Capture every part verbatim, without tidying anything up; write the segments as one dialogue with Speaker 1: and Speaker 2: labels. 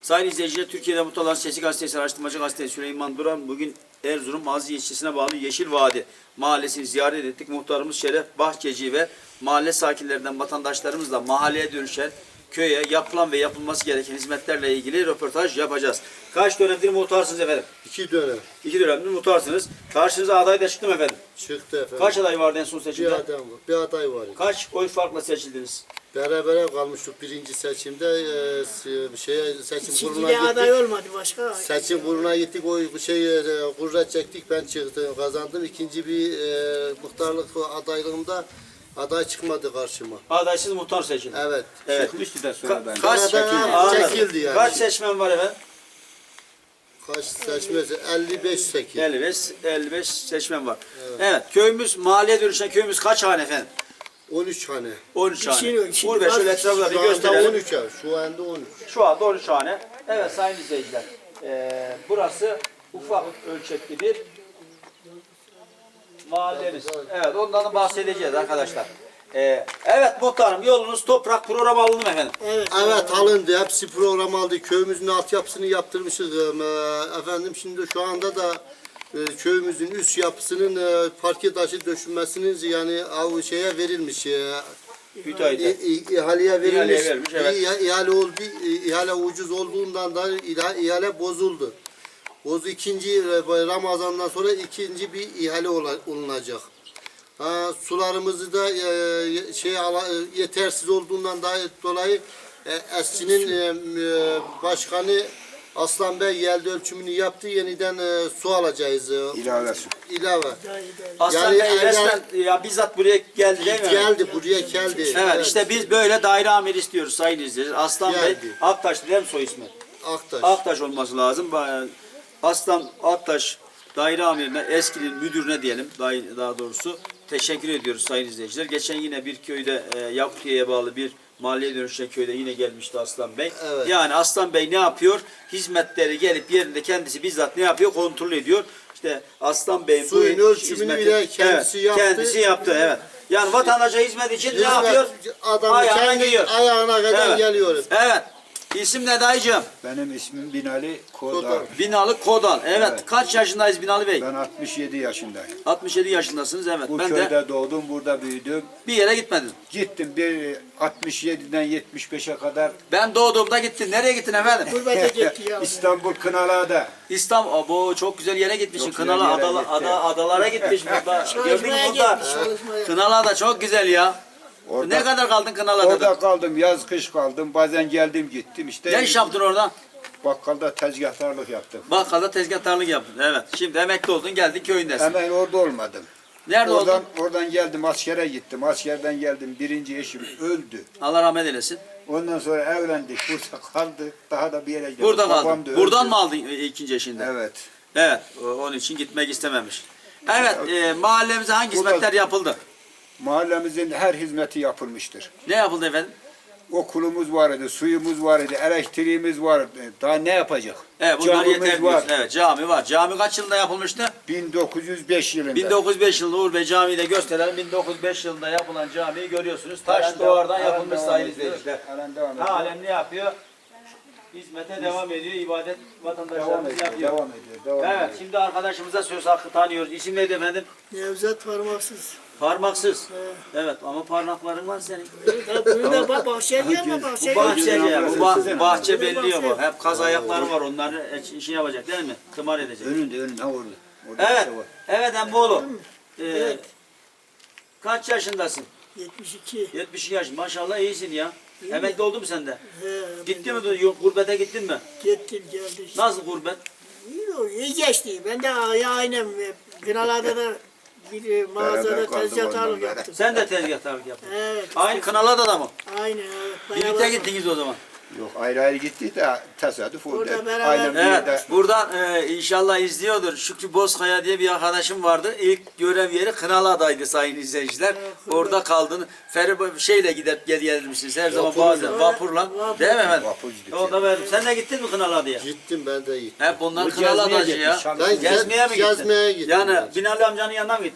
Speaker 1: Sayın izleyiciler, Türkiye'de mutlu olan Sesi Gazetesi Araştırmacı Gazetesi Süleyman Duran bugün Erzurum Aziz ilçesine bağlı Yeşil Vadi mahallesini ziyaret ettik. Muhtarımız Şeref Bahçeci ve mahalle sakinlerinden vatandaşlarımızla mahalleye dönüşen köye yapılan ve yapılması gereken hizmetlerle ilgili röportaj yapacağız. Kaç dönemdir muhtarsınız efendim?
Speaker 2: İki dönem.
Speaker 1: İki dönemdir muhtarsınız. Karşınıza aday da çıktı mı efendim?
Speaker 2: Çıktı efendim.
Speaker 1: Kaç aday vardı en son
Speaker 2: Bir
Speaker 1: seçimde?
Speaker 2: adam var. Bir aday var.
Speaker 1: Kaç oy farkla seçildiniz?
Speaker 2: Berabere kalmıştık birinci seçimde. E, s- şeye, seçim kuruluna
Speaker 3: İkinciye aday
Speaker 2: gittik.
Speaker 3: olmadı başka.
Speaker 2: Seçim kuruluna gittik. O şey e, kurra çektik. Ben çıktım, kazandım. İkinci bir e, muhtarlık adaylığımda aday çıkmadı karşıma.
Speaker 1: Adaysız muhtar seçildi.
Speaker 2: Evet.
Speaker 1: Evet.
Speaker 4: Çıkmıştı da
Speaker 1: Ka-
Speaker 4: sonradan.
Speaker 1: kaç
Speaker 2: Sonradan
Speaker 1: Anladım.
Speaker 2: çekildi yani.
Speaker 1: Kaç seçmen var efendim?
Speaker 2: Kaç seçmesi? elli beş sekiz.
Speaker 1: elli beş, elli beş seçmen var. Evet. evet, köyümüz, mahalleye dönüşen köyümüz kaç hane efendim?
Speaker 2: on üç hane.
Speaker 1: on üç hane.
Speaker 3: Şimdi- şimdi
Speaker 1: on beş şöyle
Speaker 3: bak-
Speaker 1: etrafına bir
Speaker 2: Şu anda
Speaker 1: gösterelim.
Speaker 2: on üç. Şu anda on üç.
Speaker 1: Şu anda on üç hane. Evet sayın izleyiciler. Ee, burası ufak ölçekli bir mahallemiz. Evet, ondan da bahsedeceğiz arkadaşlar. Ee, evet muhtarım, yolunuz toprak programı alındı mı efendim?
Speaker 3: Evet.
Speaker 2: Evet alındı. Hepsi program aldı. Köyümüzün altyapısını yaptırmışız. Ee, Efendim şimdi şu anda da e, köyümüzün üst yapısının e, parke taşı döşünmesinin yani av şeye verilmiş. e,
Speaker 1: Müteahhite.
Speaker 2: İ- i- ihaleye verilmiş.
Speaker 1: İhaleye verilmiş, evet.
Speaker 2: İ- ihale oldu. i- ihale ucuz olduğundan da iha- ihale bozuldu. Bozu ikinci e, Ramazan'dan sonra ikinci bir ihale ola- olunacak. Ha, sularımızı da e, şey ala- e, yetersiz olduğundan da dolayı e, Esçi'nin e, e, başkanı Aslan Bey yelde ölçümünü yaptı. Yeniden e, su alacağız. E,
Speaker 4: İlave su.
Speaker 2: ilave.
Speaker 1: Aslan
Speaker 2: Yani
Speaker 1: Bey
Speaker 2: evvel-
Speaker 1: resmen ya bizzat buraya geldi değil mi?
Speaker 2: Geldi buraya geldi.
Speaker 1: Evet, işte biz böyle daire amiri istiyoruz sayın izleyiciler. Aslan Bey
Speaker 2: Geldi.
Speaker 1: Aktaş değil mi soy ismi?
Speaker 2: Aktaş.
Speaker 1: Aktaş olması lazım. Ba- Aslan Aktaş daire amirine, eskinin müdürüne diyelim daha, daha doğrusu teşekkür ediyoruz sayın izleyiciler. Geçen yine bir köyde e, Yakutiye'ye bağlı bir mahalleye dönüşen köyde yine gelmişti Aslan Bey.
Speaker 2: Evet.
Speaker 1: Yani Aslan Bey ne yapıyor? Hizmetleri gelip yerinde kendisi bizzat ne yapıyor? Kontrol ediyor. İşte Aslan Bey'in
Speaker 2: Suyun
Speaker 1: bu
Speaker 2: ölçümünü
Speaker 1: hizmeti-
Speaker 2: bile kendisi
Speaker 1: evet,
Speaker 2: yaptı.
Speaker 1: Kendisi yaptı evet. Yani vatandaşa hizmet için ne yapıyor?
Speaker 2: Adam
Speaker 1: Ayağına
Speaker 2: kendi
Speaker 1: giyiyor.
Speaker 2: ayağına kadar
Speaker 1: Evet.
Speaker 2: geliyoruz.
Speaker 1: Evet. İsim ne dayıcığım?
Speaker 4: Benim ismim Binali Kodar.
Speaker 2: Kodar.
Speaker 1: Binalı Kodal. Evet.
Speaker 4: Evet.
Speaker 1: Kaç yaşındayız Binalı Bey?
Speaker 4: Ben altmış yedi yaşındayım.
Speaker 1: altmış yedi yaşındasınız evet.
Speaker 4: Bu
Speaker 1: ben
Speaker 4: köyde
Speaker 1: de
Speaker 4: doğdum, burada büyüdüm.
Speaker 1: bir yere gitmedim.
Speaker 4: Gittim bir altmış yediden yetmiş beşe kadar
Speaker 1: Ben doğduğumda gittin. Nereye gittin efendim?
Speaker 3: Gurbete gitti ya.
Speaker 4: İstanbul Kınalı'da.
Speaker 1: İstanbul. Abo çok güzel yere gitmişsin.
Speaker 4: Çok güzel
Speaker 1: Kınalı
Speaker 4: yere
Speaker 1: adala,
Speaker 4: gitti.
Speaker 1: ada, adalara gitmiş burada. Gördün mü
Speaker 3: Çalışmaya
Speaker 1: burada?
Speaker 3: gelmiş, çalışmaya.
Speaker 1: Kınalı da çok güzel ya.
Speaker 4: Orada,
Speaker 1: Ne kadar kaldın Kınalı'da?
Speaker 4: orada kaldım, yaz kış kaldım. Bazen geldim gittim işte.
Speaker 1: Ne iş yaptın orada?
Speaker 4: Bakkalda tezgahtarlık yaptım.
Speaker 1: Bakkalda tezgahtarlık yaptın. Evet. Şimdi emekli oldun geldin köyündesin.
Speaker 4: Hemen orada olmadım.
Speaker 1: Nerede
Speaker 4: oradan,
Speaker 1: oldun?
Speaker 4: oradan geldim askere gittim. Askerden geldim, birinci eşim öldü.
Speaker 1: Allah rahmet eylesin.
Speaker 4: Ondan sonra evlendik, burada kaldık. Daha da bir yere geldik.
Speaker 1: Burada
Speaker 4: Babam
Speaker 1: kaldın.
Speaker 4: da öldü.
Speaker 1: Buradan mı aldın e, ikinci eşinden?
Speaker 4: Evet.
Speaker 1: Evet. o- Onun için gitmek istememiş. Evet. E, mahallemize hangi
Speaker 4: Burada-
Speaker 1: hizmetler yapıldı?
Speaker 4: Mahallemizin her hizmeti yapılmıştır.
Speaker 1: Ne yapıldı efendim?
Speaker 4: Okulumuz var idi, suyumuz var idi, elektriğimiz var. Daha ne yapacak?
Speaker 1: Evet bunlar
Speaker 4: Camimiz
Speaker 1: yeter
Speaker 4: var.
Speaker 1: diyorsun. Evet cami var. Cami kaç yılında yapılmıştı?
Speaker 4: bin dokuz yüz beş yılında.
Speaker 1: bin dokuz yüz beş yılında Uğur Bey Camii'yi de gösterelim. bin dokuz yüz beş yılında yapılan camiyi görüyorsunuz. Taş
Speaker 4: Halen
Speaker 1: duvardan
Speaker 4: devam-
Speaker 1: yapılmış
Speaker 4: halen
Speaker 1: sayın
Speaker 4: devam ediyor.
Speaker 1: izleyiciler.
Speaker 4: Halen devam ediyor.
Speaker 1: Halen ne yapıyor? Hizmete devam ediyor. İbadet
Speaker 4: Devam
Speaker 1: vatandaşlarımız
Speaker 4: ediyor,
Speaker 1: yapıyor.
Speaker 4: devam ediyor, devam
Speaker 1: Evet
Speaker 4: ediyor.
Speaker 1: şimdi arkadaşımıza söz hakkı tanıyoruz. İsim neydi efendim?
Speaker 3: Nevzat parmaksız.
Speaker 1: Parmaksız.
Speaker 3: Evet.
Speaker 1: Evet ama parmakların var senin.
Speaker 3: Evet, bunu da bak bahçeye gelme bahçeye
Speaker 1: Bu bahçe
Speaker 3: gelme.
Speaker 1: ya, bu bah- bahçe belliyor bu.
Speaker 3: bahçe.
Speaker 1: Hep kaz ayakları var. Onları işini yapacak değil mi? Tımar edecek.
Speaker 4: Önünde, önünde, ha orada. Orada
Speaker 1: Evet.
Speaker 4: bir şey var.
Speaker 1: Evet Emboğlu. Ee,
Speaker 3: Evet.
Speaker 1: Kaç yaşındasın?
Speaker 3: yetmiş iki.
Speaker 1: yetmiş yaş. Maşallah iyisin ya.
Speaker 3: İyi.
Speaker 1: Emekli oldun mu sen de?
Speaker 3: He,
Speaker 1: Gitti mi? Yok, gurbete gittin mi?
Speaker 3: Gittim geldi. işte.
Speaker 1: Nasıl gurbet?
Speaker 3: İyi, o, iyi geçti. Ben de ya aynen Kınalı'da da bir e, mağazada
Speaker 4: Beraber kaldık
Speaker 3: tezgahtarlık
Speaker 4: ondan
Speaker 3: yaptım.
Speaker 1: Sen de tezgahtarlık yaptın.
Speaker 3: Evet.
Speaker 1: Aynı Kınalı'da da mı?
Speaker 3: Aynen evet.
Speaker 1: Birlikte
Speaker 3: beraber-
Speaker 1: gittiniz o zaman.
Speaker 4: Yok ayrı ayrı gitti de tesadüf oldu.
Speaker 3: Orada beraber-
Speaker 4: Aynen bir
Speaker 1: Evet.
Speaker 4: yerde.
Speaker 1: Buradan e, inşallah izliyordur. Şükrü Bozkaya diye bir arkadaşım vardı. İlk görev yeri Kınalı'daydı sayın izleyiciler.
Speaker 3: Evet,
Speaker 1: Orada kaldın. Feribot şeyle gidip gel gelmişsiniz. Her zaman
Speaker 2: Vapurla.
Speaker 1: bazen vapurla.
Speaker 3: Vapur.
Speaker 1: Değil mi efendim?
Speaker 4: Vapur gittik.
Speaker 1: Orada verdim. Sen de gittin mi Kınalı'ya diye?
Speaker 2: Gittim ben de gittim.
Speaker 1: Hep bunlar
Speaker 4: Bu
Speaker 1: Kınalı'dacı
Speaker 4: gezmeye
Speaker 1: ya.
Speaker 4: gitmiş,
Speaker 2: Ben
Speaker 1: Gezmeye mi gittin?
Speaker 2: gezmeye gittim
Speaker 1: Yani
Speaker 2: ben.
Speaker 1: Binali amcanın yanına mı gittin?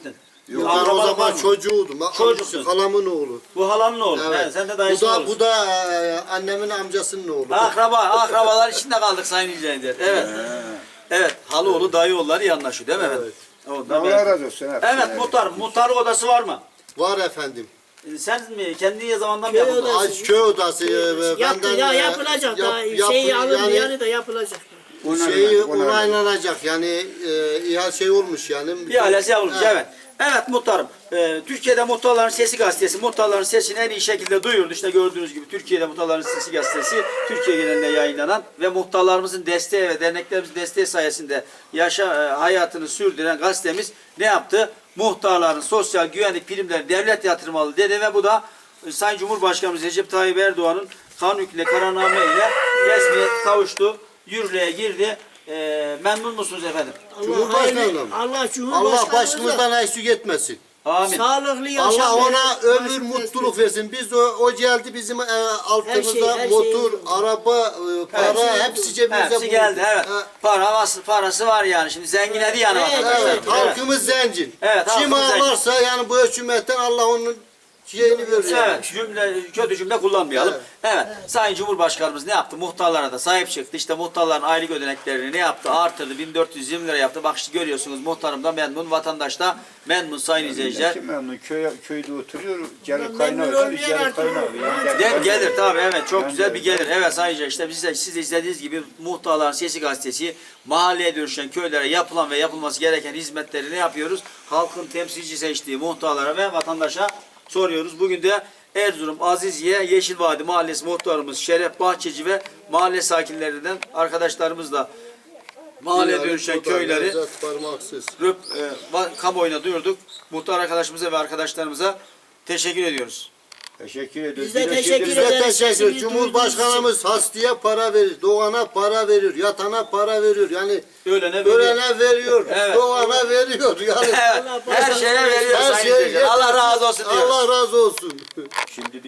Speaker 2: Yok, ben o
Speaker 1: Akrabalık var
Speaker 2: zaman
Speaker 1: mı?
Speaker 2: çocuğuydum.
Speaker 1: Çocuksun.
Speaker 2: Halamın oğlu.
Speaker 1: Bu halanın oğlu.
Speaker 2: Evet.
Speaker 1: He, sen de
Speaker 2: Bu
Speaker 1: dayısın
Speaker 2: da,
Speaker 1: oğlusun.
Speaker 2: bu da e, annemin amcasının oğlu.
Speaker 1: Akraba, akrabalar içinde kaldık Sayın İzleyiciler. Evet. Evet, halıoğlu dayıoğulları iyi anlaşıyor değil mi efendim? Ondan
Speaker 4: Allah
Speaker 1: ben-
Speaker 4: razı olsun. hepsine.
Speaker 1: Evet muhtar, muhtarlık odası var mı?
Speaker 2: Var efendim.
Speaker 1: Ee, Sen mi kendi zamandan mı
Speaker 3: Köy
Speaker 1: yapıldın?
Speaker 3: odası.
Speaker 2: Ay, köy odası e,
Speaker 3: Yaptı,
Speaker 2: benden
Speaker 3: ya
Speaker 2: e,
Speaker 3: yapılacak
Speaker 2: yap-
Speaker 3: da
Speaker 2: yap-
Speaker 3: şeyi alın
Speaker 2: yani
Speaker 3: yani da yapılacak.
Speaker 4: Onarılacak,
Speaker 2: şeyi
Speaker 4: onarılacak.
Speaker 2: onaylanacak yani e, ihale şey olmuş yani.
Speaker 1: İhalesi yapılmış
Speaker 2: Evet.
Speaker 1: evet. Evet muhtarım. Ee, Türkiye'de Muhtarların Sesi gazetesi muhtarların sesini en iyi şekilde duyurdu. İşte gördüğünüz gibi Türkiye'de Muhtarların Sesi gazetesi Türkiye genelinde yayınlanan ve muhtarlarımızın desteği ve derneklerimizin desteği sayesinde yaşa e, hayatını sürdüren gazetemiz ne yaptı? Muhtarların sosyal güvenlik primleri devlet yatırmalı dedi ve bu da e, Sayın Cumhurbaşkanımız Recep Tayyip Erdoğan'ın kanun hükmüyle kararname ile resmiyet kavuştu. Yürürlüğe girdi. E, memnun musunuz efendim?
Speaker 3: Allah
Speaker 2: Cumhurbaşkanı
Speaker 3: hayırlı-
Speaker 2: mı?
Speaker 3: Allah Cumhurbaşkanı
Speaker 2: Allah başımızdan eksik etmesin.
Speaker 1: Amin.
Speaker 3: sağlıklı yaşam.
Speaker 2: Allah ona
Speaker 3: verir,
Speaker 2: ömür
Speaker 3: başımız
Speaker 2: mutluluk
Speaker 3: eksik.
Speaker 2: versin. Biz o, o geldi bizim e, altımızda
Speaker 3: Her şey, her
Speaker 2: motor,
Speaker 3: şey-
Speaker 2: araba, e, para
Speaker 3: şey-
Speaker 2: hepsi cebimize
Speaker 1: Hepsi
Speaker 2: bulundu.
Speaker 1: geldi evet.
Speaker 2: Ha,
Speaker 1: Para vas- parası var yani. Şimdi zenginledi yani
Speaker 3: Evet,
Speaker 1: vatandaşlar.
Speaker 2: evet, halkımız zengin.
Speaker 1: Evet,
Speaker 2: Kim
Speaker 1: halkımız zengin.
Speaker 2: ağlarsa yani bu hükümetten Allah onun şeyini verir. yani.
Speaker 1: Evet, cümle, kötü cümle kullanmayalım. Evet.
Speaker 2: Evet.
Speaker 1: Sayın Cumhurbaşkanımız ne yaptı? Muhtarlara da sahip çıktı. İşte muhtarların aylık ödeneklerini ne yaptı? Artırdı. bin dört yüz yirmi lira yaptı. Bak işte görüyorsunuz muhtarım da memnun, vatandaş da memnun sayın izleyiciler.
Speaker 4: Kim memnun? Köy, köyde oturuyor. Gelir
Speaker 3: Ben
Speaker 4: kaynağı.
Speaker 3: memnun
Speaker 4: Biz
Speaker 3: olmayan
Speaker 4: gelir
Speaker 3: artık-
Speaker 4: kaynağı. Yani
Speaker 3: Gel-
Speaker 1: Gel, gelir tabii evet çok
Speaker 4: Yani
Speaker 1: güzel bir
Speaker 4: gelir.
Speaker 1: gelir. Evet sayın izleyiciler işte biz de, siz de izlediğiniz gibi Muhtarların Sesi gazetesi mahalleye dönüşen köylere yapılan ve yapılması gereken hizmetleri ne yapıyoruz? Halkın temsilci seçtiği muhtarlara ve vatandaşa soruyoruz. Bugün de Erzurum Aziziye Yeşilvadi Mahallesi muhtarımız Şeref Bahçeci ve mahalle sakinlerinden arkadaşlarımızla mahalleye
Speaker 2: Yani
Speaker 1: dönüşen
Speaker 2: bu da
Speaker 1: köyleri
Speaker 2: lezzet parmaksız.
Speaker 1: röp, e, va- kamuoyuna duyurduk. Muhtar arkadaşımıza ve arkadaşlarımıza teşekkür ediyoruz.
Speaker 4: Teşekkür ediyoruz.
Speaker 3: Biz de
Speaker 4: Bir
Speaker 3: teşekkür
Speaker 2: Biz de
Speaker 3: ederiz.
Speaker 2: teşekkür
Speaker 3: Sesini
Speaker 2: ederiz. Cumhurbaşkanımız hastaya para verir, doğana para veriyor, yatana para veriyor. Yani
Speaker 1: Ölene böyle.
Speaker 2: ölene veriyor,
Speaker 1: Evet.
Speaker 2: doğana veriyor. Yani
Speaker 1: Evet, her şeye veriyor
Speaker 2: Her
Speaker 1: sayın
Speaker 2: şey
Speaker 1: izleyiciler. Allah razı olsun diyoruz.
Speaker 2: Allah razı olsun.
Speaker 4: Şimdi